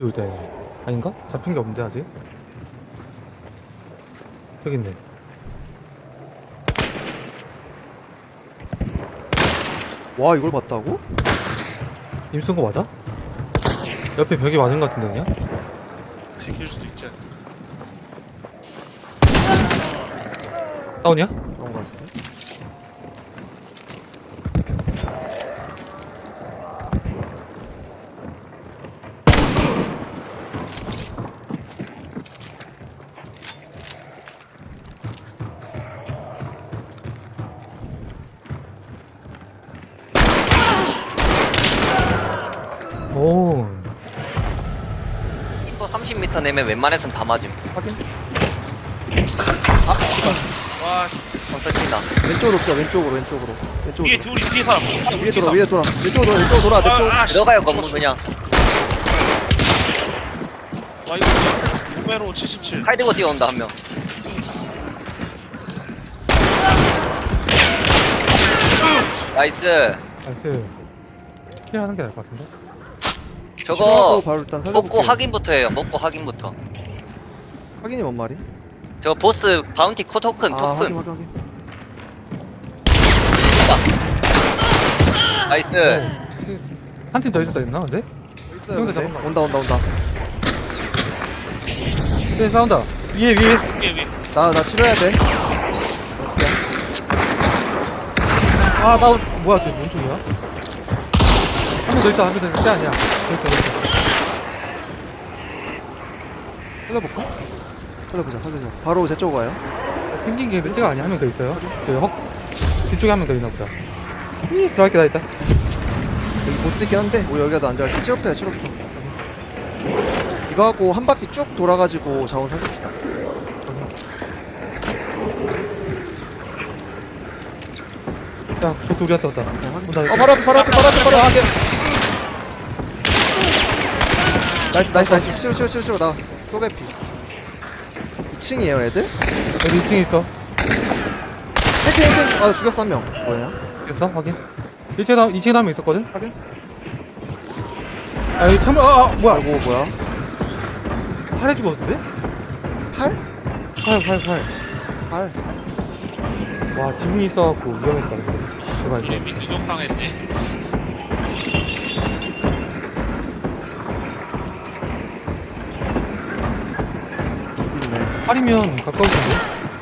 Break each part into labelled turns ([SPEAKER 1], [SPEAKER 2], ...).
[SPEAKER 1] 여기다 아닌가? 잡힌 게 없는데 아직? 여기 있네.
[SPEAKER 2] 와 이걸 봤다고?
[SPEAKER 1] 임 쓴 거 맞아? 옆에 벽이 맞은 거 같은데 그냥?
[SPEAKER 3] 지킬 수도 있지.
[SPEAKER 1] 다운이야?
[SPEAKER 2] 그런 거 같은데?
[SPEAKER 1] 오.
[SPEAKER 4] 인포 30m 내면 웬만해선 다 맞음.
[SPEAKER 2] 확인. 아 씨발.
[SPEAKER 3] 와,
[SPEAKER 4] 벌써 튄다.
[SPEAKER 2] 왼쪽으로 옵시다. 왼쪽으로.
[SPEAKER 3] 위에 둘이 뒤에 사람.
[SPEAKER 2] 위에 돌아. 왼쪽으로 돌아. 내 쪽.
[SPEAKER 3] 아,
[SPEAKER 4] 들어가요 건물 그냥.
[SPEAKER 3] 와 이거 구매로 77.
[SPEAKER 4] 칼 들고 뛰어온다 한 명. 나이스.
[SPEAKER 1] 나이스. 힐하는 게 나을 것 같은데?
[SPEAKER 4] 저거
[SPEAKER 2] 바로 일단 살려볼게.
[SPEAKER 4] 먹고 확인부터 해요. 먹고 확인부터.
[SPEAKER 2] 확인이 뭔 말이?
[SPEAKER 4] 저 보스 바운티 코 토큰
[SPEAKER 2] 아
[SPEAKER 4] 토큰.
[SPEAKER 2] 확인.
[SPEAKER 4] 나이스.
[SPEAKER 1] 한 팀 더 있었다 했나 근데?
[SPEAKER 2] 있어요.
[SPEAKER 1] 여기서
[SPEAKER 2] 근데?
[SPEAKER 1] 잠깐만.
[SPEAKER 2] 온다.
[SPEAKER 1] 네 싸운다. 위에
[SPEAKER 3] 위에.
[SPEAKER 2] 나 치료해야 돼.
[SPEAKER 1] 아 나 뭐야 쟤 왼쪽이야? 한 명 더 있다. 한 명 더 있다. 아니야. 더 있어.
[SPEAKER 2] 살려보자. 바로 제 쪽으로 가요.
[SPEAKER 1] 생긴 게 늑대가 아니야. 한 명 더 있어요. 뒤쪽에 한 명 더 있나 보다. 들어갈 게 다 있다.
[SPEAKER 2] 여기 보스 있긴 한데 우리 여기가 더 안전할게. 치료부터. 이거 하고 한 바퀴 쭉 돌아가지고 자원 살립시다.
[SPEAKER 1] 야, 보스 우리한테 왔다. 온다.
[SPEAKER 2] 바로 앞에. 나이스. 치료. 나 또 개피. 2층이에요, 애들?
[SPEAKER 1] 여기 2층에 있어.
[SPEAKER 2] 1층. 아, 죽였어, 한 명. 뭐야?
[SPEAKER 1] 됐어? 확인. 2층에 한명 있었거든?
[SPEAKER 2] 확인?
[SPEAKER 1] 아, 여기 창문, 뭐야.
[SPEAKER 2] 아이고, 뭐야?
[SPEAKER 1] 팔에 죽었는데?
[SPEAKER 2] 팔?
[SPEAKER 1] 팔. 와, 지붕이 있어갖고 위험했다, 근데. 제발.
[SPEAKER 3] 우리 민주경 당했네.
[SPEAKER 2] 여기 있네.
[SPEAKER 1] 팔이면 가까울 텐데.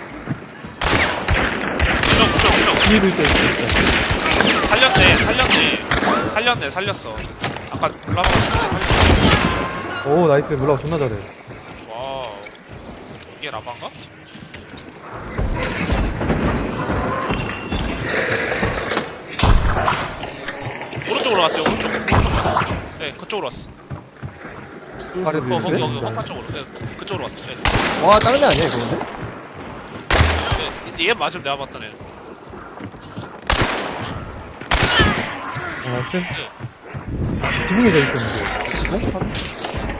[SPEAKER 3] 무적.
[SPEAKER 1] 뒤로 있다,
[SPEAKER 3] 살렸어. 아까 올라가서 살렸어.
[SPEAKER 1] 오, 나이스. 몰라, 존나 잘해.
[SPEAKER 3] 와우. 이게 라방가? 오른쪽으로 왔어요. 오른쪽 왔어. 네, 그쪽으로 왔어.
[SPEAKER 1] 팔에
[SPEAKER 2] 뭐
[SPEAKER 3] 거기
[SPEAKER 2] 있는데?
[SPEAKER 3] 허파 쪽으로. 네, 그쪽으로 왔어. 네.
[SPEAKER 2] 와, 다른 애 아니야, 이거 근데?
[SPEAKER 3] 네, 얘 맞으면 내가 봤던 애.
[SPEAKER 1] 아, 나이스.
[SPEAKER 3] 네.
[SPEAKER 1] 지붕에 져 있었는데.
[SPEAKER 2] 지붕? 확인?